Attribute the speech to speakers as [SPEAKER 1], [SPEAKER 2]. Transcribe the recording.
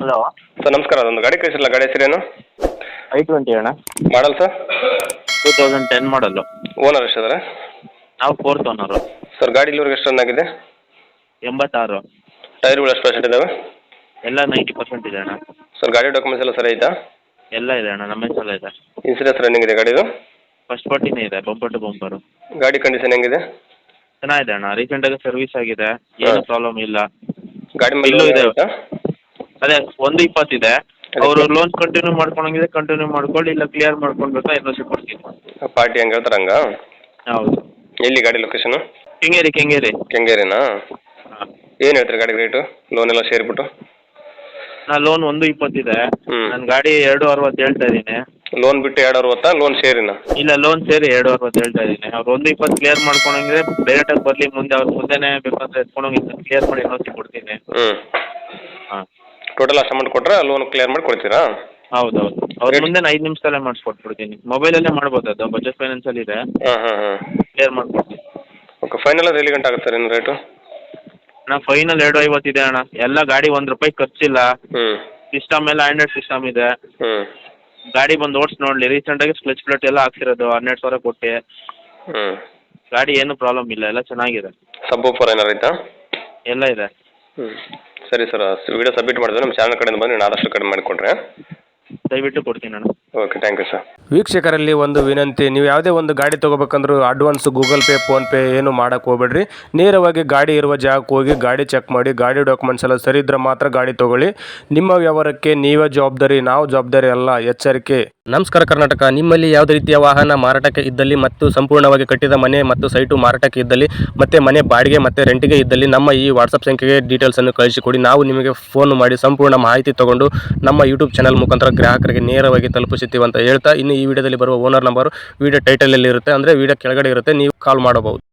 [SPEAKER 1] Hello
[SPEAKER 2] sir ನಮಸ್ಕಾರ, ಅದೊಂದು ಗಾಡಿ ಕಳಿಸಿರಲ್ಲ, ಗಾಡಿ ಹೆಸರೇನು?
[SPEAKER 1] I20 ಅಣ್ಣ.
[SPEAKER 2] Model sir?
[SPEAKER 1] 2010 ಮಾಡಲ್ಲು.
[SPEAKER 2] ಓನರ್ ಎಷ್ಟಿದ್ದಾರೆ?
[SPEAKER 1] ನಾವು 4th ಓನರು.
[SPEAKER 2] ಸರ್ ಗಾಡಿ ಇಲ್ಲಿವರೆಗೆ ಎಷ್ಟು ರನ್ ಆಗಿದೆ?
[SPEAKER 1] 86.
[SPEAKER 2] ಟೈರ್ಗಳು ಎಷ್ಟು ಪರ್ಸೆಂಟ್ ಇದಾವೆ?
[SPEAKER 1] ಎಲ್ಲ 90% ಇದೆ ಅಣ್ಣ.
[SPEAKER 2] ಸರ್ ಗಾಡಿ ಡಾಕ್ಯುಮೆಂಟ್ಸ್ ಎಲ್ಲ ಸರಿ ಐತಾ?
[SPEAKER 1] ಎಲ್ಲ ಇದೆ ಅಣ್ಣ, ನಮ್ಮ ಹೆಸರಲ್ಲೇ ಇದೆ.
[SPEAKER 2] ಇನ್ಸೂರೆನ್ಸ್ ರನ್ನಿಂಗ್ ಇದೆ ಗಾಡಿದು?
[SPEAKER 1] ಫಸ್ಟ್ ಪಾರ್ಟಿನೇ ಇದೆ, ಬಂಪರ್ ಟು ಬಂಪರು.
[SPEAKER 2] ಗಾಡಿ ಕಂಡೀಷನ್ ಹೆಂಗಿದೆ?
[SPEAKER 1] ಚೆನ್ನಾಗಿದೆ ಅಣ್ಣ, ರೀಸೆಂಟಾಗಿ ಸರ್ವಿಸ್ ಆಗಿದೆ, ಏನು ಪ್ರಾಬ್ಲಮ್ ಇಲ್ಲ.
[SPEAKER 2] ಗಾಡಿ ಮೇಲೆ
[SPEAKER 1] ಇಲ್ಲೂ ಇದೆ.
[SPEAKER 2] ಆಯ್ತಾ?
[SPEAKER 1] ಅದೇ 120 ಇದೆ. ಅವರು ಲೋನ್ ಕಂಟಿನ್ಯೂ ಮಾಡ್ಕೊಂಡಂಗಿದೆ, ಕಂಟಿನ್ಯೂ ಮಾಡ್ಕೊಳ್ಳಿ, ಇಲ್ಲ ಕ್ಲಿಯರ್ ಮಾಡ್ಕೊಳ್ಬೇಕಾ NOC ಕೊಡ್ತೀನಿ.
[SPEAKER 2] ಪಾರ್ಟಿ ಹೆಂಗೆ ಹೇಳ್ತಾರೆ ಹಂಗ?
[SPEAKER 1] ಹೌದು.
[SPEAKER 2] ಎಲ್ಲಿ ಗಾಡಿ ಲೊಕೇಶನು?
[SPEAKER 1] ಕೆಂಗೇರಿ.
[SPEAKER 2] ಕೆಂಗೇರಿನಾ?
[SPEAKER 1] ಹಾಂ.
[SPEAKER 2] ಏನು ಹೇಳ್ತೀರಿ ಗಾಡಿ ರೇಟು, ಲೋನ್ ಎಲ್ಲ ಸೇರಿಬಿಟ್ಟು?
[SPEAKER 1] ನಾ ಲೋನ್ 120 ಇದೆ. ನನ್ನ ಗಾಡಿ 260 ಹೇಳ್ತಾ ಇದ್ದೀನಿ.
[SPEAKER 2] ಲೋನ್ ಬಿಟ್ಟು 260, ಲೋನ್ ಸೇರಿನ?
[SPEAKER 1] ಇಲ್ಲ, ಲೋನ್ ಸೇರಿ 260 ಹೇಳ್ತಾ ಇದ್ದೀನಿ. ಅವ್ರು 120 ಕ್ಲಿಯರ್ ಮಾಡ್ಕೊಂಡಂಗಿದ್ರೆ ಡೈರೆಕ್ಟಾಗಿ ಬರಲಿ, ಮುಂದೆ ಅವ್ರ ಮುಂದೆನೇ ಬೇಕಂದ್ರೆ ಎತ್ಕೊಂಡೋಗಿ ಕ್ಲಿಯರ್ ಮಾಡಿ NOC ಕೊಡ್ತೀನಿ. ಹಾಂ.
[SPEAKER 2] ಟೋಟಲ್ ಅಷ್ಟು ಅಮೌಂಟ್ ಕೊಟ್ಟರೆ ಲೋನ್ ಕ್ಲಿಯರ್ ಮಾಡಿ ಕೊಡ್ತೀರಾ?
[SPEAKER 1] ಹೌದು. ಅವ್ರ ಮುಂದೆ 5 ನಿಮಿಷದಲ್ಲೇ ಮಾಡಿಸ್ಕೊಟ್ಬಿಡ್ತೀನಿ. ಮೊಬೈಲಲ್ಲೇ ಮಾಡ್ಬೋದು, ಅದು ಬಜಾಜ್ ಫೈನಾನ್ಸಲ್ಲಿ ಇದೆ.
[SPEAKER 2] ಹಾಂ.
[SPEAKER 1] ಕ್ಲಿಯರ್ ಮಾಡ್ಕೊಡ್ತೀನಿ.
[SPEAKER 2] ಓಕೆ, ಫೈನಲ್ ಅದು ಎಲ್ಲಿ ಗಂಟೆ ಆಗುತ್ತೆ ಸರ್ ಇನ್ನು ರೇಟು?
[SPEAKER 1] ಅಣ್ಣ ಫೈನಲ್ 250 ಇದೆ ಅಣ್ಣ. ಎಲ್ಲ ಗಾಡಿ ₹1 ಖರ್ಚಿಲ್ಲ. ಸಿಸ್ಟಮ್ ಎಲ್ಲ ಆಂಡ್ರಾಯ್ಡ್ ಸಿಸ್ಟಮ್ ಇದೆ. ಗಾಡಿ ಬಂದು ಓಡಿಸಿ ನೋಡಲಿ. ರೀಸೆಂಟಾಗಿ ಸ್ಕ್ಲೆಚ್ ಪ್ಲೇಟ್ ಎಲ್ಲ ಹಾಕ್ಸಿರೋದು 12,000 ಕೊಟ್ಟು. ಗಾಡಿ ಏನು ಪ್ರಾಬ್ಲಮ್ ಇಲ್ಲ, ಎಲ್ಲ ಚೆನ್ನಾಗಿದೆ.
[SPEAKER 2] ಸಬ್ ಫೋರ್ ಏನಾರು ಐತಾ?
[SPEAKER 1] ಎಲ್ಲ ಇದೆ.
[SPEAKER 2] ಸರಿ ಸರ್, ವಿಡಿಯೋ ಸಬ್ಮಿಟ್ ಮಾಡಿದ್ರೆ ನಮ್ಮ ಚಾನಲ್ ಕಡೆಯಿಂದ ಬಂದು ನಾನು ಆದಷ್ಟು ಕಡಿಮೆ ಮಾಡಿಕೊಡ್ರೆ.
[SPEAKER 1] ದಯವಿಟ್ಟು ಕೊಡ್ತೀನಿ ಅಣ್ಣ.
[SPEAKER 2] Okay, thank you sir.
[SPEAKER 3] ವೀಕ್ಷಕರಲ್ಲಿ ಒಂದು ವಿನಂತಿ, ನೀವು ಯಾವುದೇ ಒಂದು ಗಾಡಿ ತೊಗೋಬೇಕಂದ್ರೂ ಅಡ್ವಾನ್ಸ್ ಗೂಗಲ್ ಪೇ, ಫೋನ್ಪೇ ಏನು ಮಾಡೋಕ್ಕೆ ಹೋಗ್ಬೇಡ್ರಿ. ನೇರವಾಗಿ ಗಾಡಿ ಇರುವ ಜಾಗಕ್ಕೆ ಹೋಗಿ ಗಾಡಿ ಚೆಕ್ ಮಾಡಿ, ಗಾಡಿ ಡಾಕ್ಯುಮೆಂಟ್ಸ್ ಎಲ್ಲ ಸರಿ ಇದ್ದರೆ ಮಾತ್ರ ಗಾಡಿ ತೊಗೊಳ್ಳಿ. ನಿಮ್ಮ ವ್ಯವಹಾರಕ್ಕೆ ನೀವೇ ಜವಾಬ್ದಾರಿ, ನಾವು ಜವಾಬ್ದಾರಿ ಅಲ್ಲ, ಎಚ್ಚರಿಕೆ. ನಮಸ್ಕಾರ ಕರ್ನಾಟಕ. ನಿಮ್ಮಲ್ಲಿ ಯಾವುದೇ ರೀತಿಯ ವಾಹನ ಮಾರಾಟಕ್ಕೆ ಇದ್ದಲ್ಲಿ ಮತ್ತು ಸಂಪೂರ್ಣವಾಗಿ ಕಟ್ಟಿದ ಮನೆ ಮತ್ತು ಸೈಟು ಮಾರಾಟಕ್ಕೆ ಇದ್ದಲ್ಲಿ ಮತ್ತು ಮನೆ ಬಾಡಿಗೆ ಮತ್ತು ರೆಂಟಿಗೆ ಇದ್ದಲ್ಲಿ ನಮ್ಮ ಈ ವಾಟ್ಸಪ್ ಸಂಖ್ಯೆಗೆ ಡೀಟೇಲ್ಸನ್ನು ಕಳಿಸಿಕೊಡಿ. ನಾವು ನಿಮಗೆ ಫೋನ್ ಮಾಡಿ ಸಂಪೂರ್ಣ ಮಾಹಿತಿ ತಗೊಂಡು ನಮ್ಮ ಯೂಟ್ಯೂಬ್ ಚಾನಲ್ ಮುಖಾಂತರ ಗ್ರಾಹಕರಿಗೆ ನೇರವಾಗಿ ತಲುಪಿಸುತ್ತೀವಿ ಅಂತ ಹೇಳ್ತಾ, ಇನ್ನು ಈ ವಿಡಿಯೋದಲ್ಲಿ ಬರುವ ಓನರ್ ನಂಬರು ವಿಡಿಯೋ ಟೈಟಲಲ್ಲಿ ಇರುತ್ತೆ, ಅಂದರೆ ವಿಡಿಯೋ ಕೆಳಗಡೆ ಇರುತ್ತೆ, ನೀವು ಕಾಲ್ ಮಾಡಬಹುದು.